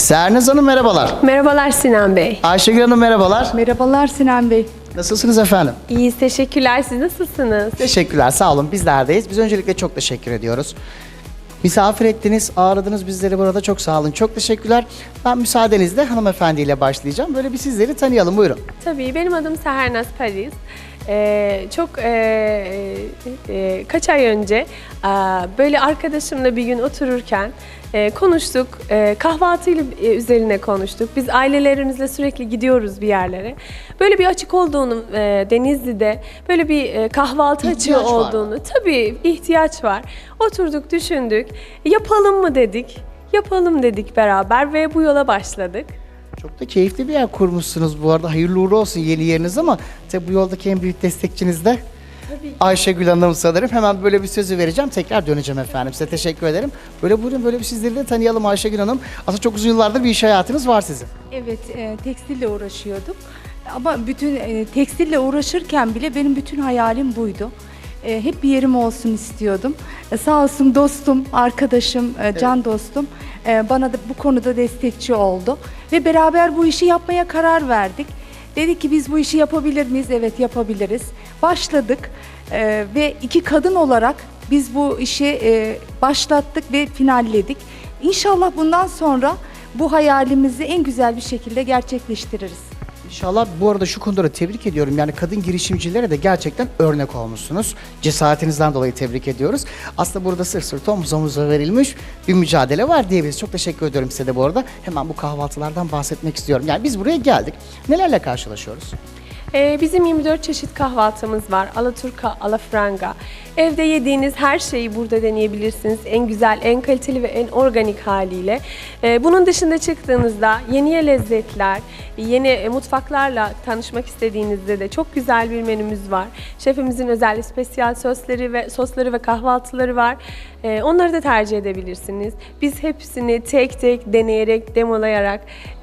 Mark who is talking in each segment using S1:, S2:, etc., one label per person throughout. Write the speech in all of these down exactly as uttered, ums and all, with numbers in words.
S1: Sernaz Hanım merhabalar.
S2: Merhabalar Sinan Bey.
S1: Ayşegül Hanım merhabalar.
S3: Merhabalar Sinan Bey.
S1: Nasılsınız efendim?
S2: İyiyiz, teşekkürler. Siz nasılsınız?
S1: Teşekkürler, sağ olun. Bizlerdeyiz. Biz öncelikle çok teşekkür ediyoruz. Misafir ettiniz, ağırladınız bizleri burada. Çok sağ olun, çok teşekkürler. Ben müsaadenizle hanımefendiyle başlayacağım. Böyle bir sizleri tanıyalım, buyurun.
S2: Tabii, benim adım Sernaz Paris. Ee, çok e, e, kaç ay önce e, böyle arkadaşımla bir gün otururken e, konuştuk, e, kahvaltıyla e, üzerine konuştuk. Biz ailelerimizle sürekli gidiyoruz bir yerlere. Böyle bir açık olduğunu, e, Denizli'de böyle bir e, kahvaltı
S1: İhtiyaç
S2: açığı
S1: var.
S2: olduğunu, tabii ihtiyaç var. Oturduk, düşündük, yapalım mı dedik, yapalım dedik beraber ve bu yola başladık.
S1: Çok da keyifli bir yer kurmuşsunuz bu arada. Hayırlı uğurlu olsun yeni yeriniz ama tabii bu yoldaki en büyük destekçiniz de Ayşegül Hanım sanırım. Hemen böyle bir sözü vereceğim. Tekrar döneceğim efendim. Size teşekkür ederim. Böyle buyurun, böyle bir sizleri de tanıyalım Ayşegül Hanım. Aslında çok uzun yıllardır bir iş hayatınız var sizin.
S3: Evet, e, tekstille uğraşıyorduk. Ama bütün e, tekstille uğraşırken bile benim bütün hayalim buydu. E, hep bir yerim olsun istiyordum. E, sağ olsun dostum, arkadaşım, e, can dostum e, bana da bu konuda destekçi oldu. Ve beraber bu işi yapmaya karar verdik. Dedik ki biz bu işi yapabilir miyiz? Evet, yapabiliriz. Başladık e, ve iki kadın olarak biz bu işi e, başlattık ve finalledik. İnşallah bundan sonra bu hayalimizi en güzel bir şekilde gerçekleştiririz.
S1: İnşallah. Bu arada şu konuda da tebrik ediyorum. Yani kadın girişimcilere de gerçekten örnek olmuşsunuz. Cesaretinizden dolayı tebrik ediyoruz. Aslında burada sırt sırta omuz omuza verilmiş bir mücadele var diyebiliriz. Çok teşekkür ediyorum size de bu arada. Hemen bu kahvaltılardan bahsetmek istiyorum. Yani biz buraya geldik. Nelerle karşılaşıyoruz?
S2: Ee, bizim yirmi dört çeşit kahvaltımız var. Alaturka, alafranga. Evde yediğiniz her şeyi burada deneyebilirsiniz. En güzel, en kaliteli ve en organik haliyle. Ee, bunun dışında çıktığınızda yeni lezzetler, yeni e, mutfaklarla tanışmak istediğinizde de çok güzel bir menümüz var. Şefimizin özel spesiyal sosları ve sosları ve kahvaltıları var. Ee, onları da tercih edebilirsiniz. Biz hepsini tek tek deneyerek, demolayarak,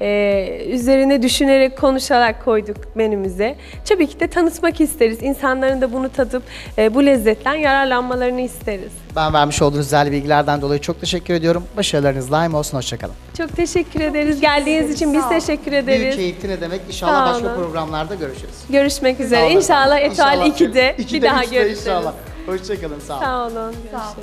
S2: e, üzerine düşünerek, konuşarak koyduk menümüze. Tabii ki de tanıtmak isteriz. İnsanların da bunu tadıp e, bu lezzetten yararlanmalarını isteriz.
S1: Ben vermiş olduğunuz güzel bilgilerden dolayı çok teşekkür ediyorum. Başarılarınız daim olsun. Hoşçakalın.
S2: Çok teşekkür ederiz. Geldiğiniz için biz teşekkür
S1: Büyük
S2: ederiz.
S1: keyifli ne demek?
S2: Sağ
S1: İnşallah başka
S2: olun.
S1: programlarda görüşürüz.
S2: Görüşmek üzere.
S1: Sağ olun.
S2: İnşallah Etoile
S1: İnşallah.
S2: ikide
S1: İkide,
S2: bir daha
S1: üçte
S2: görüşürüz.
S1: inşallah. Hoşçakalın. Sağ olun.
S2: Sağ olun. Görüşürüz.